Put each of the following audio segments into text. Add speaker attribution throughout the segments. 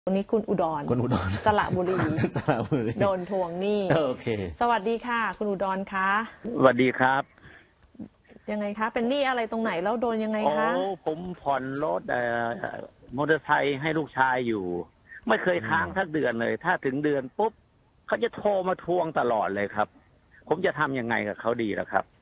Speaker 1: วันนี้คุณอุดรสระบุรีโดนทวงหนี้
Speaker 2: โอเค
Speaker 1: สวัสดีค่ะคุณอุดรคะ
Speaker 3: สวัสดีครับ
Speaker 1: ยังไงคะเป็นหนี้อะไรตรงไหนแล้วโดนยังไงคะ
Speaker 3: ผมผ่อนรถมอเตอร์ไซค์ให้ลูกชายอยู่ไม่เคยค้างสักเดือนเลยถ้าถึงเดือนปุ๊บเขาจะโทรมาทวงตลอดเลยครับผมจะทำยังไงกับเขาดีล่ะครับ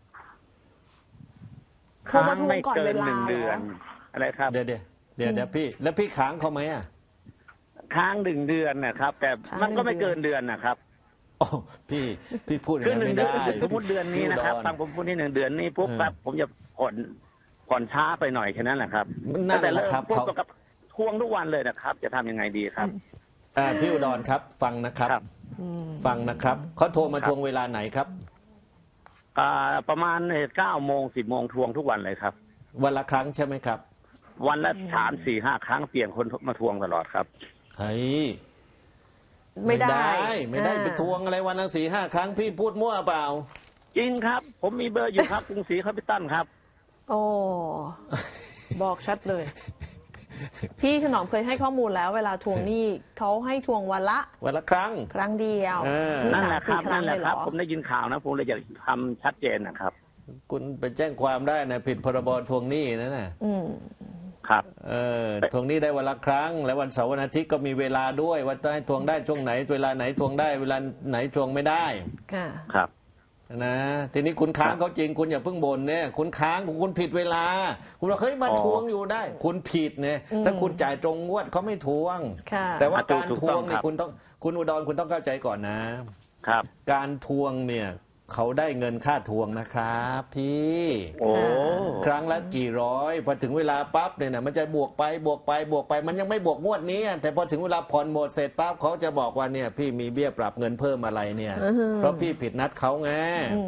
Speaker 1: ค้างไม่เกิน
Speaker 3: 1 เดือนอะไรครับ
Speaker 2: เดี๋ยวพี่แล้วพี่ค้างเขาไหมอ่ะ
Speaker 3: ค้าง1 เดือนนะครับแต่มันก็ไม่เกินเดือนนะครับ
Speaker 2: โอ้พี่พูดอย่างนั้นไม่ได้
Speaker 3: สมมติเดือนนี้นะครับฟังผมพูดที่1 เดือนนี้ปุ๊บครับผมจะผ่อนช้าไปหน่อยแค่นั้นแหละครับ
Speaker 2: แต่ละครับ
Speaker 3: เขาทวงทุกวันเลยนะครับจะทำยังไงดีครับ
Speaker 2: พี่อุดรครับฟังนะครับเขาโทรมาทวงเวลาไหนครับ
Speaker 3: ประมาณ9 โมง 10 โมงทวงทุกวันเลยครับ
Speaker 2: วันละครั้งใช่ไหมครับ
Speaker 3: วันละ3 4 5 ครั้งเปลี่ยนคนมาทวงตลอดครับ
Speaker 2: เฮ้ย
Speaker 1: ไม่ได้
Speaker 2: ไปทวงอะไรวันละ4 5 ครั้งพี่พูดมั่วเปล่า
Speaker 3: จริงครับผมมีเบอร์อยู่ครับกรุงศรีแคปิตอลครับ
Speaker 1: โอ้บอกชัดเลยพี่ถนอมเคยให้ข้อมูลแล้วเวลาทวงหนี้เขาให้ทวงวันละ
Speaker 2: ครั้ง
Speaker 1: เดียว
Speaker 3: นั่นแหละครับผมได้ยินข่าวนะผมเลยอยากทำชัดเจนนะครับ
Speaker 2: คุณไปแจ้งความได้นะผิดพรบทวงหนี้นั่นน่ะ
Speaker 3: ครับ
Speaker 2: ทวงหนี้ได้วันละครั้งแล้ววันเสาร์วันอาทิตย์ก็มีเวลาด้วยว่าจะให้ทวงได้ช่วงไหนเวลาไหนทวงได้เวลาไหนทวงไม่ได้
Speaker 3: ครับ
Speaker 2: นะทีนี้คุณค้างเขาจริงคุณอย่าเพิ่งบ่นเนี่ยคุณค้างคุณผิดเวลาคุณบอกเฮ้ยมาทวงอยู่ได้คุณผิดเนี่ยถ้าคุณจ่ายตรงงวดเขาไม่ทวงแต่ว่าการทวงเนี่ยคุณอุดรคุณต้องเข้าใจก่อนนะครับการทวงเนี่ยเขาได้เงินค่าทวงนะครับพี่ครั้งละกี่ร้อยพอถึงเวลาปั๊บเนี่ยนะมันจะบวกไปมันยังไม่บวกงวดนี้แต่พอถึงเวลาผ่อนหมดเสร็จปั๊บเขาจะบอกว่าเนี่ยพี่มีเบี้ยปรับเงินเพิ่มอะไรเนี่ยเพราะพี่ผิดนัดเขาไง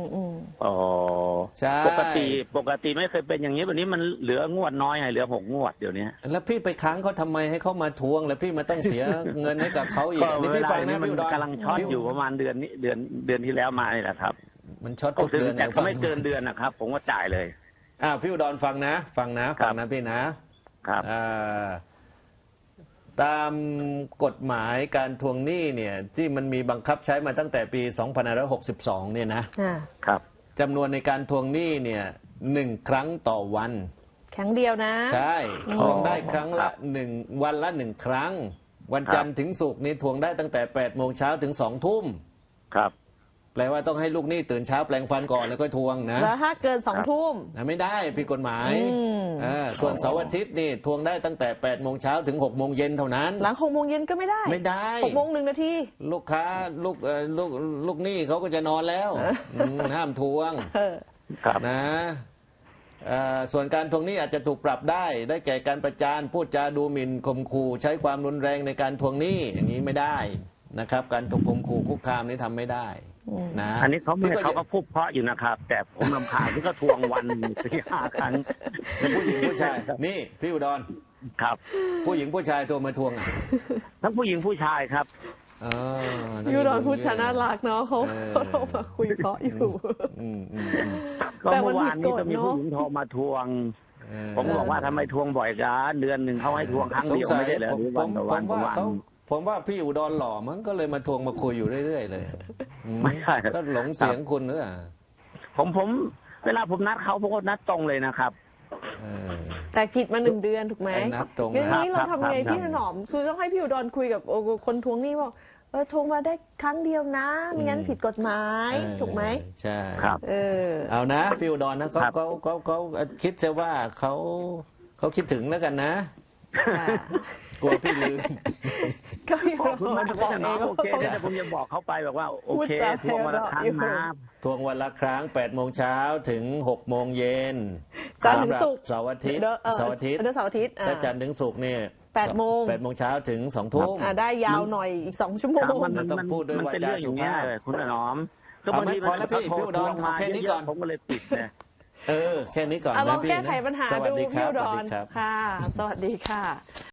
Speaker 2: ใช่
Speaker 3: ปกติไม่เคยเป็นอย่างนี้วันนี้มันเหลืองวดน้อยเหลือ6 งวดเดี๋ยวนี้
Speaker 2: แล้วพี่ไปค้างเขาทำไมให้เขามาทวงแล้วพี่มาต้องเสียเงินให้กับเขาอีกนี่พี่ฟังนะ
Speaker 3: พี่อุดรกำลังช็อตอยู่ประมาณเดือนนี้เดือนที่แล้วมานี่แหละครับ
Speaker 2: มันช็อตทุกเดือน
Speaker 3: แต่ไม่เกินเดือนนะครับผมก็จ่ายเลย
Speaker 2: พี่อุดรฟังนะพี่นะครับตามกฎหมายการทวงหนี้เนี่ยที่มันมีบังคับใช้มาตั้งแต่ปี2562เนี่ยนะครับจำนวนในการทวงหนี้เนี่ย1 ครั้งต่อวัน
Speaker 1: ครั้งเดียวนะ
Speaker 2: ใช่ทวงได้ครั้งละวันละ1 ครั้งวันจันทร์ถึงศุกร์นี่ทวงได้ตั้งแต่8 โมงเช้าถึง2 ทุ่ม
Speaker 3: ครับ
Speaker 2: แปลว่าต้องให้ลูกหนี้ตื่นเช้าแปลงฟันก่อนแล้วก็ทวงนะ
Speaker 1: แล้วถ้าเกิน2 ทุ่ม
Speaker 2: ไม่ได้ผิดกฎหมายส่วนเสาร์อาทิตย์นี่ทวงได้ตั้งแต่8 โมงเช้าถึง6 โมงเย็นเท่านั้น
Speaker 1: หลัง6 โมงเย็นก็ไม่ได้6 โมง 1 นาที
Speaker 2: ลูกค้าลูกหนี้เขาก็จะนอนแล้วห้ามทวงนะส่วนการทวงหนี้อาจจะถูกปรับได้แก่การประจานพูดจาดูหมิ่นข่มขู่ใช้ความรุนแรงในการทวงหนี้อย่างนี้ไม่ได้นะครับการถูกข่มขู่คุกคามนี้ทำไม่ได้นะ
Speaker 3: อันนี้เขาก็พูดเพราะอยู่นะครับแต่ผมรำคาญที่ก็ทวงวัน4 5 ครั้ง
Speaker 2: ผู้หญิงผู้ชายนี่พี่อุดร
Speaker 3: ครับ
Speaker 2: ผู้หญิงผู้ชายตัวมาทวง
Speaker 3: ทั้งผู้หญิงผู้ชายครับ
Speaker 1: พี่อุดรพูดชนะรักเนาะเขามาคุยเพราะอยู่
Speaker 3: ก็เมื่อวานนี้ก็มีผู้หญิงโทรมาทวงผมบอกว่าทำไมทวงบ่อยกันเดือนหนึ่งเขาให้ทวงครั้งเดียวไม่ได้เหรอหรือวันต่อวัน
Speaker 2: ผมว่าพี่อุดรหล่อมั้งก็เลยมาทวงมาคุยอยู่เรื่อยๆเลย
Speaker 3: ไม่ใช่
Speaker 2: ก็หลงเสียงคุณหรือเปล่า
Speaker 3: ผมเวลาผมนัดเขาผมก็นัดตรงเลยนะครับ
Speaker 1: แต่ผิดมา1 เดือนถูกไหมอย่างนี้เราทำไงพี่ถนอมคือต้องให้พี่อุดรคุยกับคนทวงหนี้บอกทวงมาได้ครั้งเดียวนะไม่งั้นผิดกฎหมายถูกไหม
Speaker 2: ใช่
Speaker 3: ครับ
Speaker 2: เอานะพี่อุดรนะเขาคิดซะว่าเขาคิดถึงแล้วกันนะกลัวพี่ลืม
Speaker 1: ก็พี่บอก
Speaker 3: โอเคแต่ผมจะบอกเขาไปแบบว่าโอเคทวงวันละครั้งนะ
Speaker 2: ทวงวันละครั้ง8 โมงเช้าถึง6 โมงเย็น
Speaker 1: จันทร์ถึงศุกร์
Speaker 2: เสาร์อาทิตย์ถ้าจันทร์ถึงศุกร์เนี่ย
Speaker 1: 8 โมง
Speaker 2: เช้าถึง2 ทุ่ม
Speaker 1: ได้ยาวหน่อยอีก2 ชั่วโมง
Speaker 2: มันต้องพูดด้วยวาจาสุภาพ
Speaker 3: คุณถนอม
Speaker 2: ก็บางทีพอแล้วพี่อุดรแค่นี้ก่อน
Speaker 3: ผมก็เลยปิดนะ
Speaker 2: แค่นี้ก่อน
Speaker 1: นะพี่ลองแก้ไขปัญหาดูพี่อุดรค่ะสวัสดีค่ะ